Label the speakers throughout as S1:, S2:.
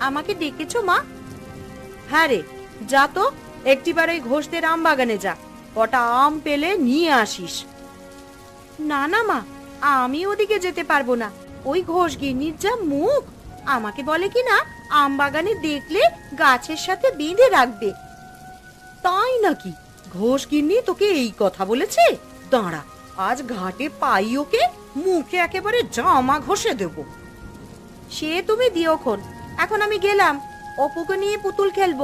S1: আমাকে ডেকেছো মা? হ্যাঁ রে, যা তো একটিবার ওই ঘোষদের আম বাগানে যা, কটা আম পেলে নিয়ে আসিস। না না মা, আমি ওদিকে যেতে পারবো না। ওই ঘোষ গিন্নির যা মুখ, আমাকে বলে কি না আম বাগানে দেখলে গাছের সাথে বেঁধে রাখবে। তাই নাকি? ঘোষ গিন্নি তোকে এই কথা বলেছে? দাঁড়া, আজ ঘাটে পাই ওকে, মুখে একেবারে জামা ঘষে দেব। সে তুমি দিওক্ষণ, এখন আমি গেলাম, অপুকে নিয়ে পুতুল খেলবো।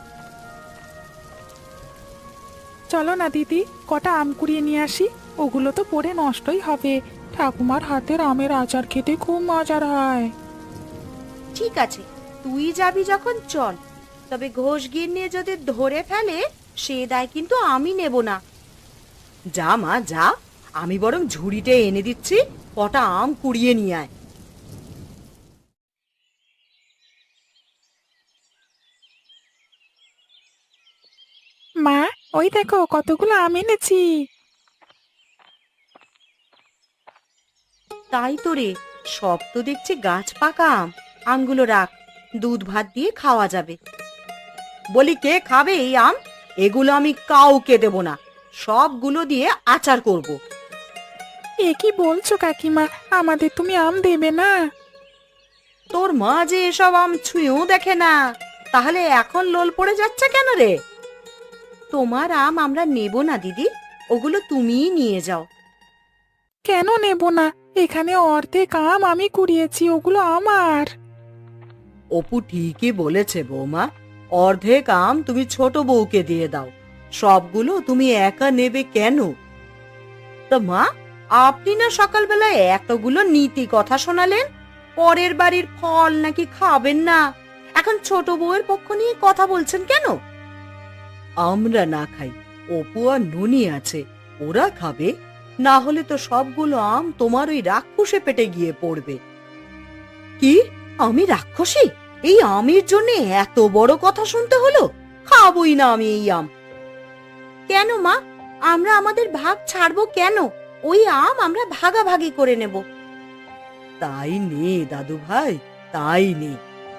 S2: চলো না দিদি, কটা আম কুড়িয়ে নিয়ে আসি। ওগুলো তো পড়ে নষ্টই হবে। ঠাকুমার হাতের আমের আচার খেতে খুব মজার হয়।
S1: ঠিক আছে, তুই যাবি যখন চল। তবে ঘোষ গিন্নি যদি ধরে ফেলে সে দায় কিন্তু আমি নেব না। যা মা যা, আমি বরং ঝুড়িতে এনে দিচ্ছি, কটা আম কুড়িয়ে নিয়ে আয়।
S2: মা, ওই দেখো কতগুলো আম এনেছি।
S1: তাই তো রে, সব তো দেখছি গাছ পাকা আম। আমগুলো রাখ, দুধ ভাত দিয়ে খাওয়া যাবে। বলি কে খাবে এই আম? এগুলো আমি কাউকে দেব না, সবগুলো দিয়ে আচার করব।
S2: এ কি বলছো কাকিমা, আমাদের তুমি আম দেবে না?
S1: তোর মা যে এসব আম ছুঁয়েও দেখে না, তাহলে এখন লোল পড়ে যাচ্ছে কেন রে? তোমার আম আমরা নেব না দিদি, ওগুলো তুমিই নিয়ে যাও।
S2: কেন নেব না? এখানে অর্ধেক আম আমি কুড়িয়েছি, ওগুলো আমার।
S1: অপু ঠিকই বলেছে বৌমা, অর্ধেক আম তুমি ছোট বউকে দিয়ে দাও, সবগুলো তুমি একা নেবে কেন? তা মা, আপনি না সকালবেলায় এতগুলো নীতি কথা শোনালেন, পরের বাড়ির ফল নাকি খাবেন না, এখন ছোট বউয়ের পক্ষ নিয়ে কথা বলছেন কেন? আমরা না খাই, অপু আর ননি আছে, ওরা খাবে। না হলে তো সবগুলো আম তোমার ওই রাক্ষসে পেটে গিয়ে পড়বে। কি? আমি রাক্ষসী? এই আমের জন্য এত বড় কথা শুনতে হলো? খাবই না আমি এই আম। কেন মা, আমরা আমাদের ভাগ ছাড়বো কেন? ওই আম আমরা ভাগাভাগি করে নেব। তাই নে দাদু ভাই, তাই নে।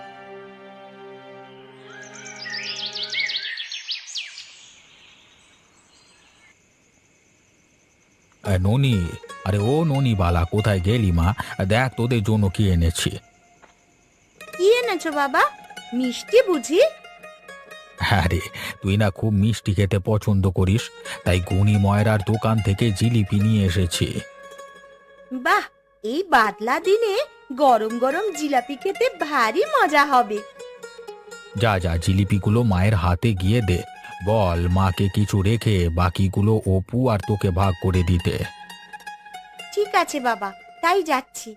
S3: ননি, আরে ও ননি বালা, কোথায় গেলি মা? দেখ তোদের জন্য কি এনেছি।
S1: কি এনেছো বাবা? মিষ্টি বুঝি?
S3: হ্যাঁ রে, তুই না খুব মিষ্টি খেতে পছন্দ করিস, তাই গুণী ময়রার দোকান থেকে জিলিপি নিয়ে এসেছি।
S1: বাহ, এই বাদলা দিনে গরম গরম জিলাপি খেতে ভারী মজা হবে।
S3: যা যা, জিলিপিগুলো মায়ের হাতে গিয়ে দে, বল মাকে কিছু রেখে বাকিগুলো অপু আর তোকে ভাগ করে দিতে।
S1: ঠিক আছে বাবা, তাই যাচ্ছি।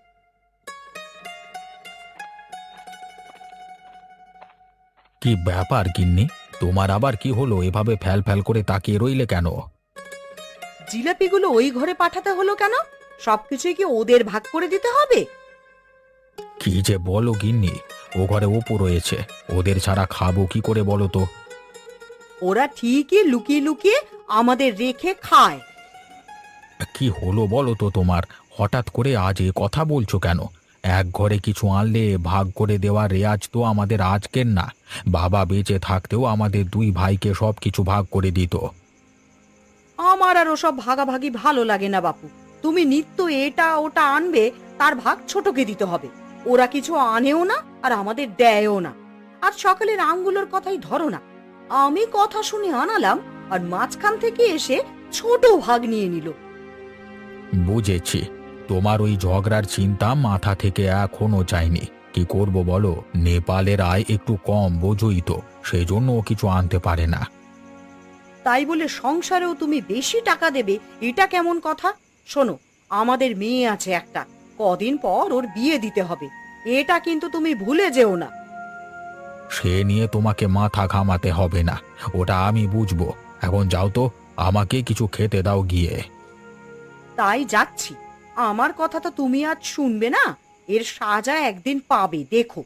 S3: কি ব্যাপার গিন্নি, তোমার আবার কি হলো? এভাবে ফ্যাল ফ্যাল করে তাকিয়ে রইলে কেন?
S1: জিলাপিগুলো ওই ঘরে পাঠাতে হলো কেন? সবকিছুই কি ওদের ভাগ করে দিতে হবে?
S3: কি যে বলো গিন্নি, ও ঘরে অপু রয়েছে, ওদের ছাড়া খাবো কি করে বলো তো?
S1: ওরা ঠিকই লুকিয়ে লুকিয়ে আমাদের রেখে খায়।
S3: কি হলো বলো তো তোমার? হঠাৎ করে আজ এ কথা বলছো কেন? এক ঘরে কিছু আনলে ভাগ করে দেওয়ার রেয়াজ তো আমাদের আজকের না, বাবা বেঁচে থাকতেও আমাদের দুই ভাইকে সব কিছু ভাগ করে দিত।
S1: আমার আর ওসব ভাগাভাগি ভালো লাগে না বাপু। তুমি নিত্য এটা ওটা আনবে, তার ভাগ ছোটকে দিতে হবে। ওরা কিছু আনেও না আর আমাদের দেয়ও না। আজ সকালের আমগুলোর কথাই ধরো না, আমি কথা শুনে আনালাম আর মাঝখান থেকে এসে ছোট ভাগ নিয়ে নিল।
S3: বুঝেছি, তোমার ওই ঝগড়ার চিন্তা মাথা থেকে এখনো যায়নি। কি করব বলো, নেপালের আয় একটু কম বোঝই তো, সেজন্য ও কিছু আনতে পারে না।
S1: তাই বলে সংসারেও তুমি বেশি টাকা দেবে, এটা কেমন কথা? শোনো, আমাদের মেয়ে আছে একটা, কদিন পর ওর বিয়ে দিতে হবে, এটা কিন্তু তুমি ভুলে যেও না।
S3: সে নিয়ে তোমাকে মাথা ঘামাতে হবে না, ওটা আমি বুঝবো। এখন যাও তো, আমাকে কিছু খেতে দাও গিয়ে।
S1: তাই যাচ্ছি। আমার কথা তো তুমি আজ শুনবে না, এর সাজা একদিন পাবে, দেখো।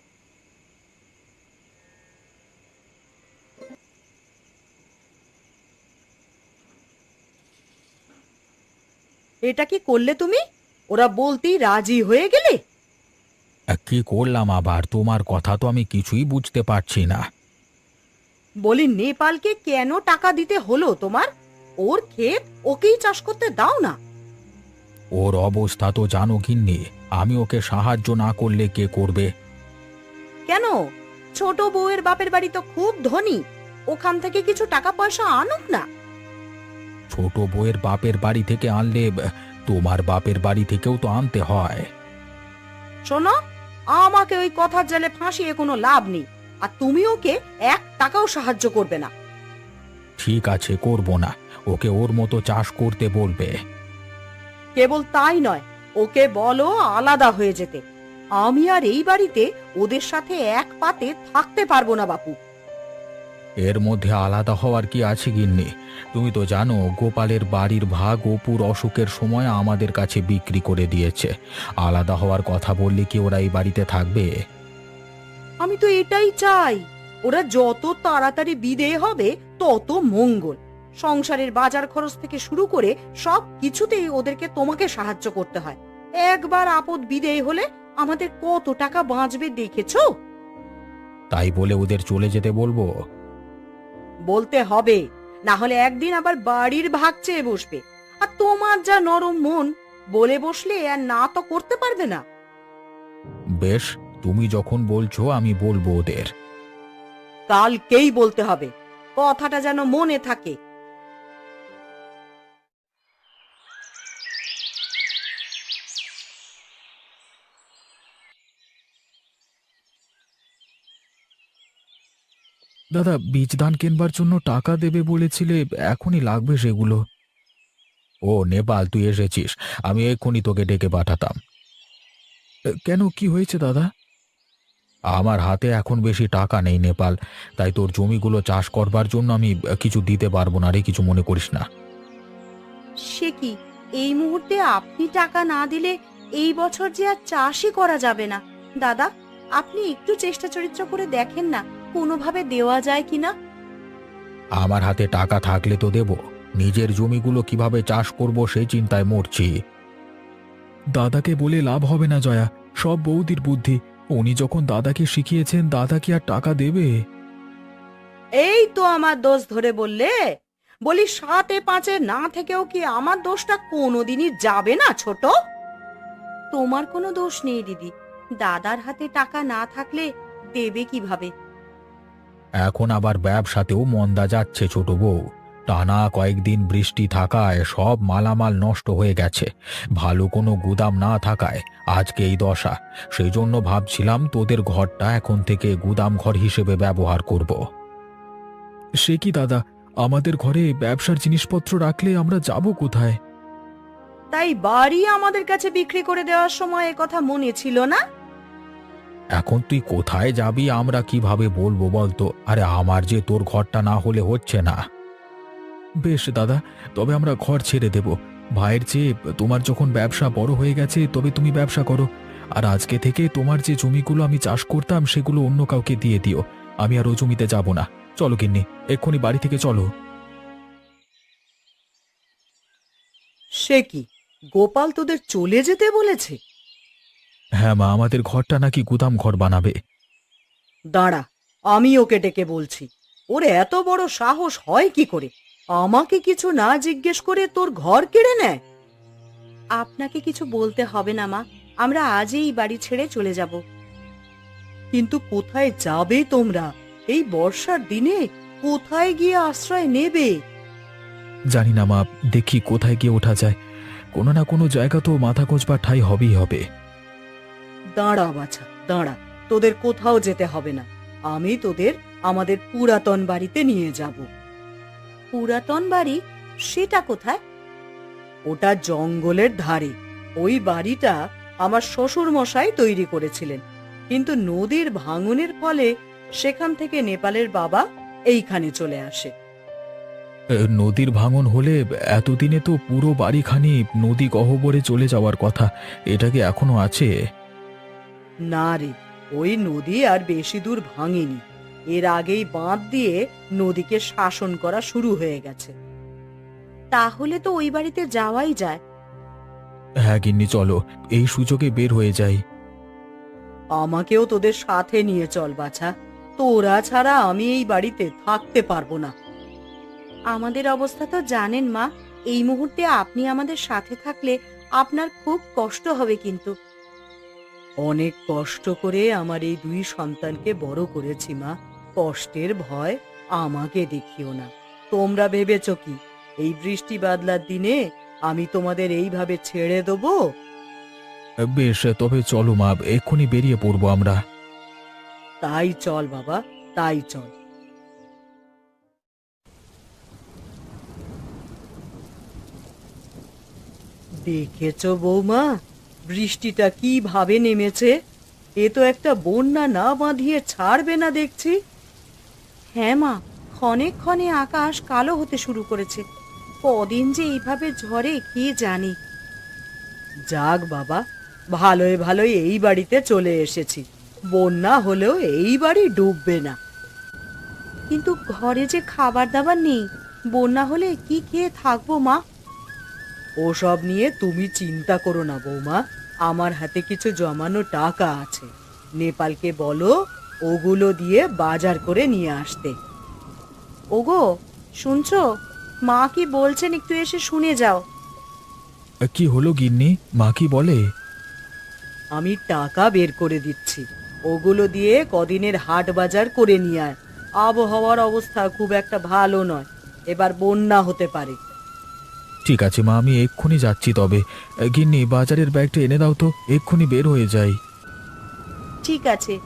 S1: এটা কি করলে তুমি? ওরা বলতেই রাজি হয়ে গেলে?
S3: কি করলাম আবার? তোমার কথা তো আমি কিছুই বুঝতে পারছি না।
S1: বলি নেপালকে কেন টাকা দিতে হলো তোমার? ওর ক্ষেত ওকেই চাষ করতে দাও না।
S3: ওর অবস্থা তো জানো গিন্নি, আমি ওকে সাহায্য না করলে কে করবে?
S1: কেন? ছোট বউয়ের বাপের বাড়ি তো খুব ধনী, ওখান থেকে কিছু টাকা পয়সা আনুক না।
S3: ছোট বউয়ের বাপের বাড়ি থেকে আনলে তোমার বাপের বাড়ি থেকেও তো আনতে হয়।
S1: শোনো, আমাকে ওই কথার জালে ফাঁসিয়ে কোনো লাভ নেই, আর তুমি ওকে 1 টাকাও সাহায্য করবে না।
S3: ঠিক আছে, করব না। ওকে ওর মতো চাষ করতে বলবে।
S1: কেবল তাই নয়, ওকে বলো আলাদা হয়ে যেতে। আমি আর এই বাড়িতে ওদের সাথে এক পাতে থাকতে পারবো না বাপু।
S3: এর মধ্যে আলাদা হওয়ার কি আছে গিন্নি? তুমি তো জানো গোপালের বাড়ির ভাগ অপুর অসুখের সময় আমাদের কাছে বিক্রি করে দিয়েছে। আলাদা হওয়ার কথা বললে কি ওরা এই বাড়িতে থাকবে?
S1: আমি তো এটাই চাই, ওরা যত তাড়াতাড়ি বিদেয় হবে তত মঙ্গল। সংসারের বাজার খরচ থেকে শুরু করে সব কিছুতেই ওদেরকে তোমাকে সাহায্য করতে হয়। একবার আপদ বিদেয় হলে আমাদের কত টাকা বাঁচবে দেখেছো?
S3: তাই বলে ওদের চলে যেতে বলবো?
S1: বলতে হবে, না হলে একদিন আবার বাড়ির ভাগ চেয়ে বসবে। আর তোমার যা নরম মন, বলে বসলে আর না তো করতে পারবে না।
S3: বেশ, তুমি যখন বলছো আমি বলবো ওদের।
S1: কালকেই বলতে হবে, কথাটা যেন মনে থাকে।
S3: দাদা, বীজ ধান কেনবার জন্য টাকা দেবে বলেছিলে, এখনই লাগবে সেগুলো। ও নেপাল, তুই এসেছিস? আমি এক্ষুনি তোকে ডেকে পাঠাতাম। কেন, কি হয়েছে দাদা? আমার হাতে এখন বেশি টাকা নেই নেপাল, তাই তোর জমিগুলো চাষ করবার জন্য আমি কিছু দিতে পারবো না রে, কিছু মনে করিস না।
S1: সে কি, এই মুহূর্তে আপনি টাকা না দিলে এই বছর যে আর চাষই করা যাবে না। দাদা, আপনি একটু চেষ্টা চরিত্র করে দেখেন না, কোনোভাবে দেওয়া যায় কিনা।
S3: আমার হাতে টাকা থাকলে তো দেব, নিজের জমিগুলো কিভাবে চাষ করব সেই চিন্তায় মরছি। দাদাকে বলে লাভ হবে না জয়া, সব বৌদির বুদ্ধি। উনি যখন দাদাকে শিখিয়েছেন, দাদা কি আর টাকা দেবে?
S1: এই তো আমার দোষ ধরে বললে। বলি 7-5 না থেকেও কি আমার দোষটা কোনোদিনই যাবে না ছোট? তোমার কোনো দোষ নেই দিদি, দাদার হাতে টাকা না থাকলে দেবে কিভাবে?
S3: এখন আবার ব্যবসাতেও মন্দা যাচ্ছে ছোট বউ। টানা কয়েকদিন বৃষ্টি থাকায় সব মালামাল নষ্ট হয়ে গেছে। ভালো কোনো গুদাম না থাকায় আজকে এই দশা। সেই জন্য ভাবছিলাম তোদের ঘরটা এখন থেকে গুদাম ঘর হিসেবে ব্যবহার করব। সে কি দাদা, আমাদের ঘরে ব্যবসার জিনিসপত্র রাখলে আমরা যাব কোথায়?
S1: তাই বাড়ি আমাদের কাছে বিক্রি করে দেওয়ার সময় এ কথা মনে ছিল না?
S3: এখন তুই কোথায় যাবি আমরা কিভাবে বলবো বলতো? আরে আমার যে তোর ঘরটা না হলে হচ্ছে না। বেশ দাদা, তবে আমরা ঘর ছেড়ে দেব। ভাইয়ের চেয়ে তোমার যখন ব্যবসা বড় হয়ে গেছে তবে তুমি ব্যবসা করো। আর আজকে থেকে তোমার যে জমিগুলো আমি চাষ করতাম সেগুলো অন্য কাউকে দিয়ে দিও। আমি আর ও জমিতে যাব না। চলো গিন্নি, এক্ষুনি বাড়ি থেকে চলো।
S1: সে কি, গোপাল তোদের চলে যেতে বলেছে?
S3: হ্যাঁ মা, আমাদের ঘরটা নাকি গুদাম ঘর বানাবে।
S1: দাঁড়া, আমি ওকে ডেকে বলছি। ওর এত বড় সাহস হয় কি করে আমাকে কিছু না জিজ্ঞেস করে তোর ঘর কেড়ে নেয়? আপনাকে কিছু বলতে হবে না মা, আমরা আজই এই বাড়ি ছেড়ে চলে যাব। কিন্তু কোথায় যাবে তোমরা? এই বর্ষার দিনে কোথায় গিয়ে আশ্রয় নেবে?
S3: জানি না মা, দেখি কোথায় গিয়ে ওঠা যায়। কোনো না কোনো জায়গা তো মাথা গোঁজবার ঠাঁই হবেই হবে।
S1: দাঁড়া বাছা, দাঁড়া, তোদের কোথাও যেতে হবে না। আমি তোদের আমাদের পুরাতন বাড়িতে নিয়ে যাব। পুরাতন বাড়ি? সেটা কোথায়? ওটা জঙ্গলের ধারে। ওই বাড়িটা আমার শ্বশুর মশাই তৈরি করেছিলেন, কিন্তু নদীর ভাঙনের ফলে সেখান থেকে নেপালের বাবা এইখানে চলে আসে।
S3: নদীর ভাঙন হলে এতদিনে তো পুরো বাড়িখানি নদী গহ্বরে চলে যাওয়ার কথা। এটা কি এখনো আছে?
S1: না রে, ওই নদী আর বেশি দূর ভাঙেনি। এর আগেই বাঁধ দিয়ে নদীকে শাসন করা শুরু হয়ে গেছে। তাহলে তো ওই বাড়িতে যাওয়াই যায়।
S3: হ্যাঁ গিন্নি, চলো এই সুযোগে বের হয়ে যাই।
S1: আমাকেও তোদের সাথে নিয়ে চল বাছা, তোরা ছাড়া আমি এই বাড়িতে থাকতে পারবো না। আমাদের অবস্থা তো জানেন মা, এই মুহূর্তে আপনি আমাদের সাথে থাকলে আপনার খুব কষ্ট হবে কিন্তু। অনেক কষ্ট করে আমার এই দুই সন্তানকে বড় করেছি মা, কষ্টের ভয় আমাকে দেখিও না। তোমরা ভেবেছ কি এই বৃষ্টি বাদলার দিনে আমি তোমাদের এইভাবে ছেড়ে দেবো?
S3: বেশ, তবে চলো মা, এক্ষুনি বেরিয়ে পড়বো আমরা।
S1: তাই চল বাবা, তাই চল। দেখেছো বৌমা, বৃষ্টিটা কিভাবে নেমেছে? এ তো একটা বন্যা না বাঁধিয়ে ছাড়বে না দেখছি। হ্যাঁ মা, ক্ষণে ক্ষণে আকাশ কালো হতে শুরু করেছে। কদিন যে এইভাবে ঝড়ে কি জানি। যাক বাবা, ভালোই ভালোই এই বাড়িতে চলে এসেছি। বন্যা হলেও এই বাড়ি ডুববে না। কিন্তু ঘরে যে খাবার দাবার নেই, বন্যা হলে কি খেয়ে থাকবো মা? ওসব নিয়ে তুমি চিন্তা করো না বৌমা, আমার হাতে কিছু জমানো টাকা আছে। নেপালকে বলো ওগুলো দিয়ে বাজার করে নিয়ে আসতে। ওগো, শুনছো? মা কি বলছেন একটু এসে শুনে যাও।
S3: কি হলো গিন্নি, মা কি বলে?
S1: আমি টাকা বের করে দিচ্ছি, ওগুলো দিয়ে কদিনের হাট বাজার করে নিয়ে আয়। আবহাওয়ার অবস্থা খুব একটা ভালো নয়, এবার বন্যা হতে পারে।
S3: ঠিক আছে মা, আমি এক্ষুনি যাচ্ছি। তবে গিন্নি, বাজারের ব্যাগটা এনে দাও তো, এক্ষুনি বের হয়ে যাই।
S1: ঠিক আছে।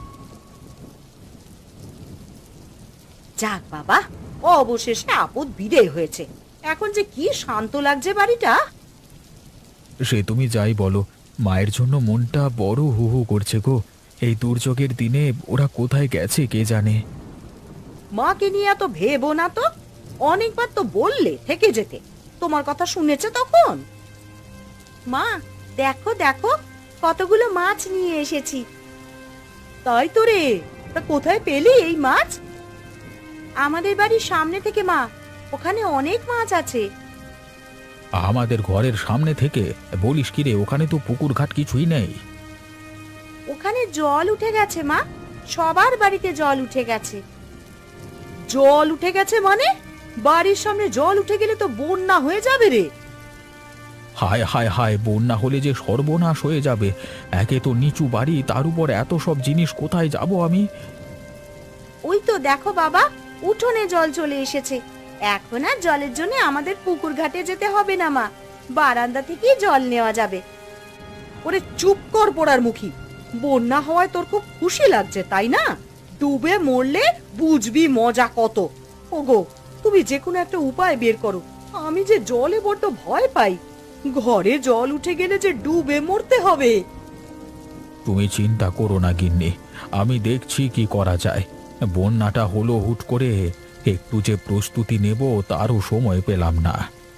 S1: যাক বাবা, অবশেষে আপদ বিদেয় হয়েছে। এখন যে কি শান্ত লাগছে বাড়িটা।
S3: সে তুমি যাই বলো, মায়ের জন্য মনটা বড় হু হু করছে গো। এই দুর্যোগের দিনে ওরা কোথায় গেছে কে জানে।
S1: মাকে নিয়ে এত ভেবো না তো, অনেকবার তো বললে থেকে যেতে। তোমার কথা শুনেছে তখন। মা, দেখো দেখো, কতগুলো মাছ নিয়ে এসেছি। তাই তো রে, তা কোথায় পেলি এই মাছ? আমাদের বাড়ির সামনে থেকে মা, ওখানে অনেক মাছ আছে।
S3: আমাদের ঘরের সামনে থেকে? বলিস কি রে, ওখানে তো পুকুর ঘাট কিছুই নেই।
S1: ওখানে জল উঠে গেছে মা, সবার বাড়িতে জল উঠে গেছে। জল উঠে গেছে মানে? বাড়ির সামনে জল উঠে গেলে তো বন্যা হয়ে যাবে রে।
S3: হায় হায় হায়, বন্যা হলে যে সর্বনাশ হয়ে যাবে। একে তো নিচু বাড়ি, তার উপর এত সব জিনিস, কোথায় যাব আমি?
S1: ওই তো দেখো বাবা, উঠোনে জল চলে এসেছে। এখন আর জলের জন্য আমাদের পুকুর ঘাটে যেতে হবে না মা, বারান্দা থেকেই জল নেওয়া যাবে। ওরে চুপ কর পোড়ার মুখী, বন্যা হওয়ায় তোর খুব খুশি লাগছে তাই না? ডুবে মরলে বুঝবি মজা কত। ওগো, তুমি যে কোনো একটা উপায় বের করো, আমি যে জলে বড্ড ভয় পাই। ঘরে জল উঠে গেলে যে ডুবে মরতে হবে।
S3: তুমি চিন্তা করো না গিন্নি, আমি দেখছি কি করা যায়। বন্যাটা হলো হুট করে, একটু যে প্রস্তুতি নেব তারও সময় পেলাম না।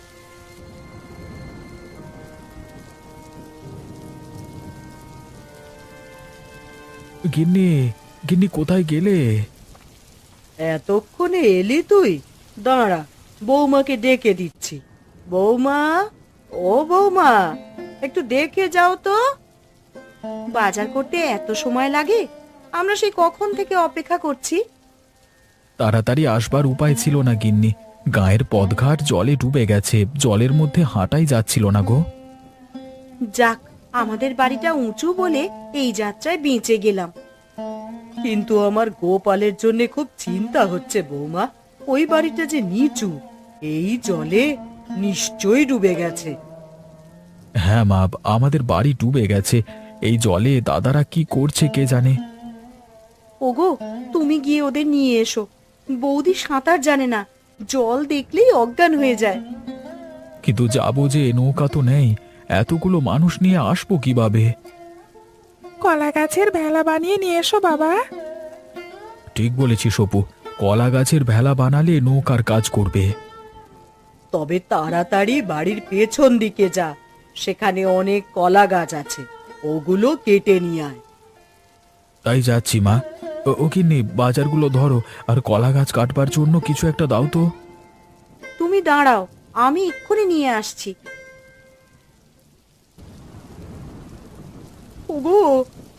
S3: গিন্নি, গিন্নি কোথায় গেলে?
S1: এতক্ষণে এলি তুই? দাঁড়া, বৌমাকে ডেকে দিচ্ছি। বৌমা, ও বৌমা, একটু দেখে যাও তো। বাজার করতে এত সময় লাগে? আমরা সেই কখন থেকে অপেক্ষা করছি।
S3: তাড়াতাড়ি আসবার উপায় ছিল না গিন্নি, গায়ের পথঘাট জলে ডুবে গেছে, জলের মধ্যে হাঁটাই যাচ্ছিল না গো।
S1: যাক, আমাদের বাড়িটা উঁচু বলে এই যাত্রায় বেঁচে গেলাম। কিন্তু আমার গোপালের জন্য খুব চিন্তা হচ্ছে বৌমা। ওই বাড়িটা যে নিচু, এই জলে নিশ্চয়ই ডুবে গেছে।
S3: হ্যাঁ মা, আমাদের বাড়ি ডুবে গেছে। এই জলে দাদারা কি করছে কে জানে।
S1: ওগো, তুমি গিয়ে ওদের নিয়ে এসো। বৌদি সাঁতার জানে না, জল দেখলেই অজ্ঞান হয়ে যায়।
S3: কিন্তু যাবো যে, নৌকা তো নেই, এতগুলো মানুষ নিয়ে আসবো কিভাবে?
S2: কলা গাছের ভেলা বানিয়ে নিয়ে এসো বাবা।
S3: ঠিক বলেছিস অপু, কলা গাছের ভেলা বানালে নৌকার কাজ করবে।
S1: তবে তাড়াতাড়ি বাড়ির পেছন দিকে যা, সেখানে অনেক কলা গাছ আছে, ওগুলো কেটে নিয়ে আয়।
S3: তাই যাচ্ছি মা। ও কিন্নি, বাজারগুলো ধরো, আর কলা গাছ কাটবার জন্য কিছু একটা দাও তো।
S1: তুমি দাঁড়াও, আমি এক্ষুনি নিয়ে আসছি। ওগো,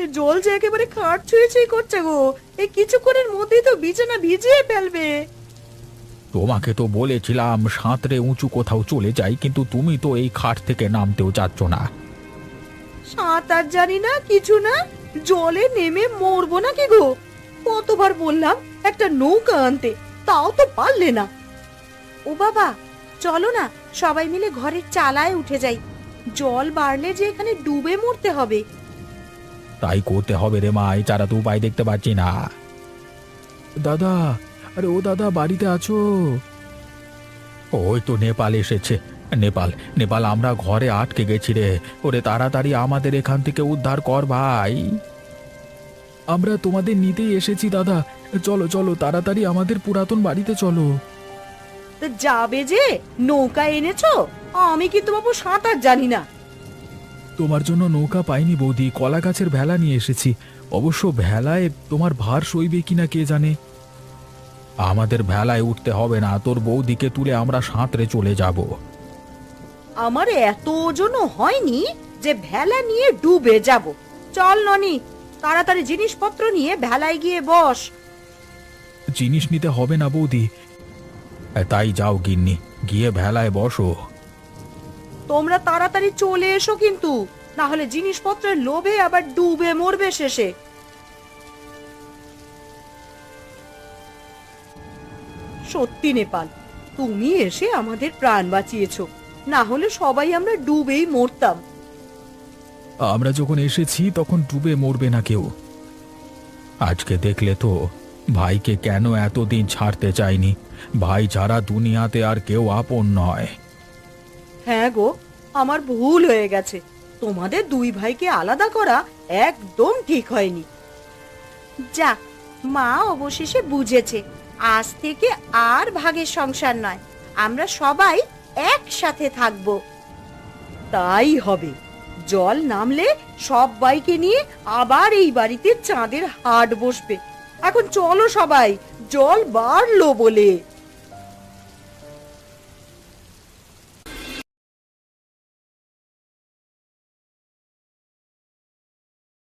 S1: জল যে একেবারে খাট ছুঁয়ে ছুঁয়ে করছে গো, এই কিছুক্ষণের মধ্যেই তো বিছানা ভিজিয়ে ফেলবে।
S3: তোমাকে তো বলেছিলাম সাঁতরে উঁচু কোথাও চলে যাই, কিন্তু তুমি তো এই খাট থেকে নামতেও চাচ্ছ না।
S1: সাঁতার জানি না কিছু না, জলে নেমে মরবো নাকি গো? কতবার বললাম একটা নৌকা আনতে, তাও তো পারলে না। ও বাবা, চলো না সবাই মিলে ঘরের চালায় উঠে যাই, জল বাড়লে যে এখানে ডুবে মরতে হবে।
S3: তাই করতে হবে রে মা, এছাড়া তো উপায় দেখতে পাচ্ছি না। দাদা, আরে ও দাদা, বাড়িতে আছো? ওই তো নেপাল এসেছে। নেপাল নেপাল, আমরা ঘরে আটকে গেছি রে। ওরে তাড়াতাড়ি আমাদের এখান থেকে উদ্ধার কর ভাই। আমরা তোমাদের নিতেই এসেছি দাদা, চলো চলো তাড়াতাড়ি আমাদের পুরাতন বাড়িতে চলো।
S1: তা যাবে যে, নৌকা এনেছো? আমি কিন্তু বাবু সাঁতার জানি না।
S3: তোমার জন্য নৌকা পাইনি বৌদি, কলা গাছের ভেলা নিয়ে এসেছি। অবশ্য ভেলায় তোমার ভার সইবে কিনা কে জানে। আমাদের ভেলায় উঠতে হবে না, তোর বৌদিকে তুলে আমরা সাঁতরে চলে যাব।
S1: আমার এত ওজনও হয়নি যে ভেলা নিয়ে ডুবে যাব। চল ননি, তাড়াতাড়ি জিনিসপত্র নিয়ে ভেলায় গিয়ে বস।
S3: জিনিস নিতে হবে না বৌদি। তাই যাও গিন্নি, গিয়ে ভেলায় বসো।
S1: তোমরা তাড়াতাড়ি চলে এসো কিন্তু, না হলে জিনিসপত্রের লোভে আবার ডুবে মরবে শেষে। সত্যি নেপাল, তুমি এসে আমাদের প্রাণ বাঁচিয়েছো, না হলে সবাই আমরা ডুবেই মরতাম।
S3: আমরা যখন এসেছি তখন ডুবে মরবে না কেউ। আজকে দেখলে তো ভাইকে কেন এতদিন ছাড়তে চাইনি। ভাই ছাড়া দুনিয়াতে আর কেউ আপন নয়।
S1: হ্যাঁ গো, আমার ভুল হয়ে গেছে। তোমাদের দুই ভাইকে আলাদা করা একদম ঠিক হয়নি। যাক, মা অবশেষে বুঝেছে, আজ থেকে আর ভাগের সংসার নয়, আমরা সবাই একসাথে থাকব। তাই হবে। জল নামলে সবাইকে নিয়ে আবার এই বাড়িতে চাঁদের হাট বসবে। এখন চলো সবাই, জল বাড়লো বলে।